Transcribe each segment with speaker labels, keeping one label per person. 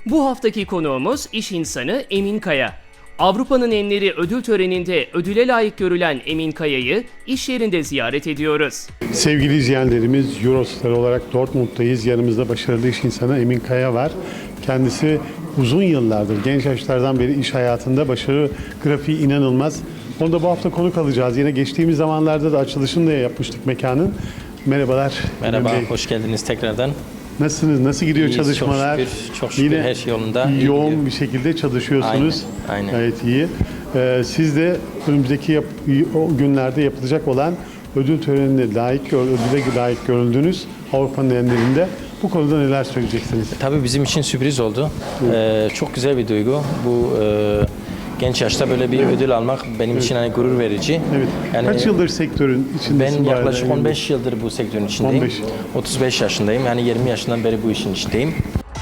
Speaker 1: Bu haftaki konuğumuz iş insanı Emin Kaya. Avrupa'nın enleri ödül töreninde ödüle layık görülen Emin Kaya'yı iş yerinde ziyaret ediyoruz.
Speaker 2: Sevgili izleyenlerimiz, Eurostar olarak Dortmund'dayız. Yanımızda başarılı iş insanı Emin Kaya var. Kendisi uzun yıllardır, genç yaşlardan beri iş hayatında başarı grafiği inanılmaz. Onu da bu hafta konuk alacağız. Yine geçtiğimiz zamanlarda da açılışını da yapmıştık mekanın. Merhabalar.
Speaker 3: Merhaba, hoş geldiniz tekrardan.
Speaker 2: Nasılsınız? Nasıl gidiyor
Speaker 3: İyiyiz,
Speaker 2: çalışmalar?
Speaker 3: Çok şükür
Speaker 2: Yine
Speaker 3: her şey yolunda.
Speaker 2: yoğun bir şekilde çalışıyorsunuz.
Speaker 3: Aynen.
Speaker 2: Gayet iyi. Siz de önümüzdeki o günlerde yapılacak olan ödül törenine ödüle layık görüldünüz Avrupa'nın enlerinde. Bu konuda neler söyleyeceksiniz?
Speaker 3: Tabii bizim için sürpriz oldu. Çok güzel bir duygu. Bu genç yaşta böyle bir ödül almak benim için hani gurur verici.
Speaker 2: Evet.
Speaker 3: Yani
Speaker 2: kaç yıldır sektörün içindesin?
Speaker 3: ben yaklaşık 15 yıldır bu sektörün içindeyim.
Speaker 2: 15.
Speaker 3: 35 yaşındayım. Yani 20 yaşından beri bu işin içindeyim.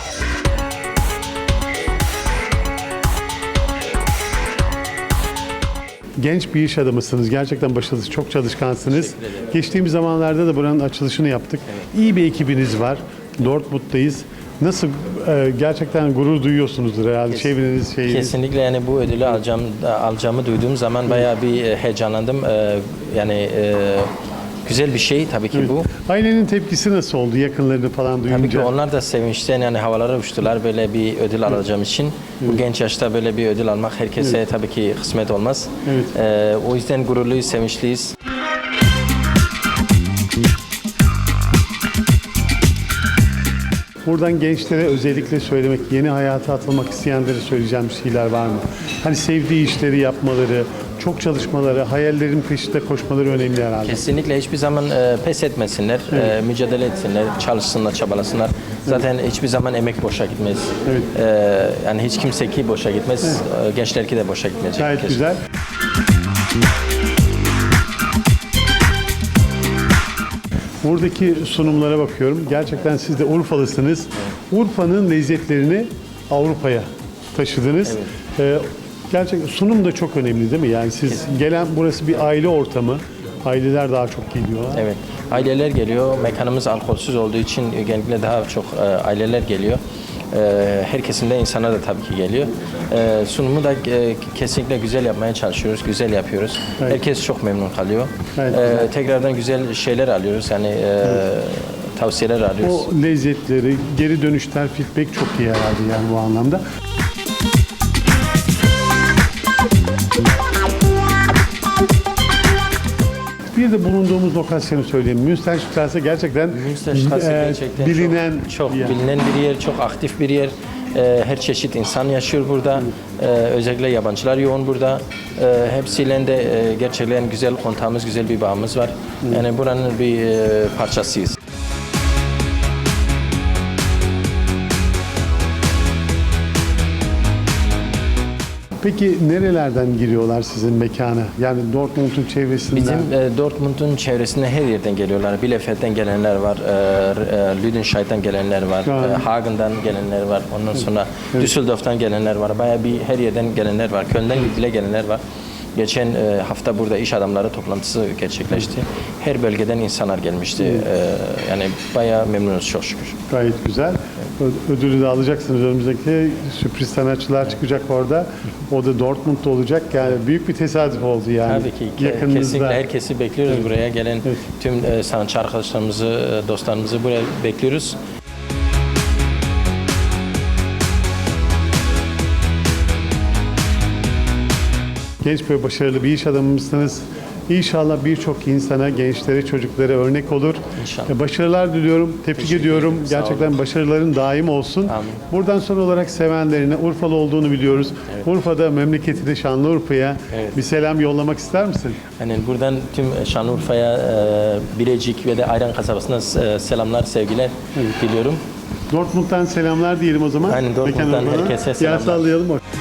Speaker 2: Genç bir iş adamısınız. Gerçekten başarılı, çok çalışkansınız. Geçtiğimiz zamanlarda da buranın açılışını yaptık. Evet. İyi bir ekibiniz var. Dortmund'dayız. Nasıl gerçekten gurur duyuyorsunuzdur herhalde çevreniz şeyiniz.
Speaker 3: Kesinlikle yani bu ödülü alacağımı duyduğum zaman bayağı bir heyecanlandım. Yani güzel bir şey tabii ki bu.
Speaker 2: Ailenin tepkisi nasıl oldu yakınlarını falan duyunca?
Speaker 3: Tabii ki onlar da sevinçten yani havalara uçtular böyle bir ödül alacağım için. Bu genç yaşta böyle bir ödül almak herkese tabii ki kısmet olmaz. O yüzden gururluyuz, sevinçliyiz.
Speaker 2: Buradan gençlere özellikle söylemek, yeni hayata atılmak isteyenlere söyleyeceğim şeyler var mı? Hani sevdiği işleri yapmaları, çok çalışmaları, hayallerin peşinde koşmaları önemli herhalde.
Speaker 3: Kesinlikle hiçbir zaman pes etmesinler, mücadele etsinler, çalışsınlar, çabalasınlar. Zaten hiçbir zaman emek boşa gitmez. Yani hiç kimse ki boşa gitmez, gençler ki de boşa gitmeyecek.
Speaker 2: Gayet güzel. Buradaki sunumlara bakıyorum. Gerçekten siz de Urfalısınız. Urfa'nın lezzetlerini Avrupa'ya taşıdınız. Gerçekten sunum da çok önemli değil mi? Yani siz gelen burası bir aile ortamı. Aileler daha çok geliyorlar.
Speaker 3: Evet. Aileler geliyor. Mekanımız alkolsüz olduğu için genellikle daha çok aileler geliyor. Her kesimde insanlar da tabii ki geliyor. Sunumu da kesinlikle güzel yapmaya çalışıyoruz, güzel yapıyoruz. Evet. Herkes çok memnun kalıyor. Evet. Tekrardan güzel şeyler alıyoruz, yani tavsiyeler alıyoruz.
Speaker 2: O lezzetleri, geri dönüşler, feedback çok iyi herhalde yani bu anlamda. Bir de bulunduğumuz lokasyonu söyleyeyim. Münsterstraße gerçekten bilinen
Speaker 3: çok bilinen bir yer, çok aktif bir yer. Her çeşit insan yaşıyor burada. Özellikle yabancılar yoğun burada. Hepsiyle de gerçekten güzel kontağımız, güzel bir bağımız var. Yani buranın bir parçasıyız.
Speaker 2: Peki nerelerden giriyorlar sizin mekana? Yani Dortmund'un çevresinden?
Speaker 3: Bizim Dortmund'un çevresinde her yerden geliyorlar. Bielefeld'den gelenler var, Lüdenscheid'den gelenler var, Hagen'dan gelenler var. Ondan sonra Düsseldorf'tan gelenler var. Bayağı bir her yerden gelenler var. Köln'den bile gelenler var. Geçen hafta burada iş adamları toplantısı gerçekleşti. Her bölgeden insanlar gelmişti. Yani bayağı memnunuz çok şükür.
Speaker 2: Gayet güzel. Ödülü de alacaksınız önümüzdeki. Sürpriz sanatçılar çıkacak orada. O da Dortmund'da olacak. Yani büyük bir tesadüf oldu yani.
Speaker 3: Tabii ki. Kesinlikle herkesi bekliyoruz buraya gelen tüm sanatçı arkadaşlarımızı, dostlarımızı buraya bekliyoruz.
Speaker 2: Genç ve başarılı bir iş adamımızsınız. İnşallah birçok insana, gençlere, çocuklara örnek olur.
Speaker 3: İnşallah.
Speaker 2: Başarılar diliyorum, tebrik ediyorum. Gerçekten başarıların daim olsun.
Speaker 3: Amin.
Speaker 2: Buradan son olarak sevenlerine, Urfalı olduğunu biliyoruz. Urfa'da, memleketine, Şanlıurfa'ya bir selam yollamak ister misin?
Speaker 3: Yani buradan tüm Şanlıurfa'ya, Bilecik ve de Ayran kasabasına selamlar, sevgiler diliyorum.
Speaker 2: Dortmund'dan selamlar diyelim o zaman.
Speaker 3: Aynen, Dortmund'dan herkese selamlar.
Speaker 2: Gel sallayalım.